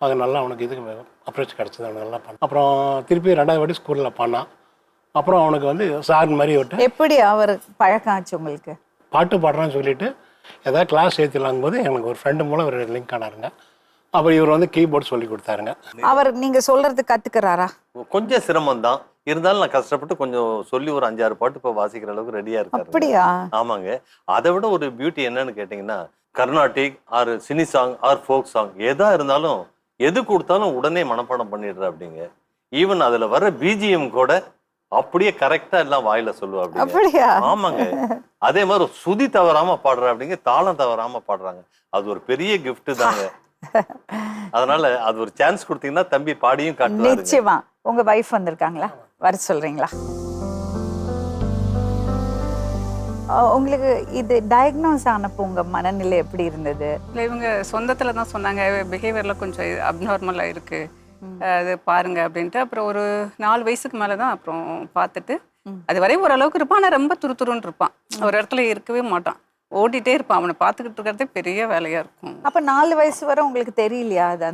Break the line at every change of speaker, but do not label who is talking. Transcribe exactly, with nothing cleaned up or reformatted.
அது நல்லா அவனுக்கு இதுக்கு அப்ரோச் கிடச்சிது, அவனுக்கு நல்லா பண்ணான். அப்புறம் திருப்பி ரெண்டாவது வாட்டி ஸ்கூலில் பண்ணான். அப்புறம் அவனுக்கு வந்து சார் மாதிரி விட்டு
எப்படி அவர் பழக்கம் ஆச்சு உங்களுக்கு?
பாட்டு பாடுறான்னு சொல்லிட்டு ஏதாவது கிளாஸ் சேர்த்துலாங்கும் போது எனக்கு ஒரு ஃப்ரெண்டு மூலம் ஒரு லிங்க் ஆனாருங்க. அப்புறம் இவர் வந்து கீபோர்டு சொல்லி கொடுத்தாருங்க.
அவர் நீங்க சொல்றது கத்துக்கிறாரா?
கொஞ்சம் சிரமம் தான், இருந்தாலும் நான் கஷ்டப்பட்டு கொஞ்சம் சொல்லி ஒரு அஞ்சாறு பாட்டு இப்போ வாசிக்கிற அளவுக்கு ரெடியா இருக்காரு.
அப்படியா?
ஆமாங்க. அதை விட ஒரு பியூட்டி என்னன்னு கேட்டிங்கன்னா, Carnatic or cine song or folk song எதா இருந்தாலும் எது கொடுத்தாலும் உடனே மனப்பாடம் பண்ணிடுற அப்படிங்க. ஈவன் அதுல வர பிஜிஎம் கூட அப்படியே கரெக்டா எல்லாம் வாயில சொல்லுவா அப்படிங்க.
அப்படியா?
ஆமாங்க. அதே மாதிரி சுதி தவறாம பாடுற அப்படிங்க, தாளம் தவறாம பாடுறாங்க. அது ஒரு பெரிய கிஃப்ட் தாங்க. அதனால அது ஒரு சான்ஸ் கொடுத்தீங்கன்னா தம்பி பாடியும் காட்டுவாரு.
நிச்சயமா. உங்க வைஃப் வந்திருக்காங்களா? வர சொல்றீங்களா? உங்களுக்கு இது டயக்னோஸ் ஆனப்போ உங்க மனநிலை எப்படி இருந்தது?
இல்லை, இவங்க சொந்தத்துல தான் சொன்னாங்க பிஹேவியர்ல கொஞ்சம் அப்நார்மலா இருக்கு, அது பாருங்க அப்படின்ட்டு. அப்புறம் ஒரு நாலு வயசுக்கு மேலே தான் அப்புறம் பார்த்துட்டு, அது வரையும் ஓரளவுக்கு இருப்பான், ஆனால் ரொம்ப துருதுருன்னு இருப்பான், ஒரு இடத்துல இருக்கவே மாட்டான், ஓடிட்டே இருப்பான். அவனை பார்த்துக்கிட்டு இருக்கிறதே பெரிய வேலையா இருக்கும்.
அப்ப நாலு வயசு வரை உங்களுக்கு தெரியலையா அது?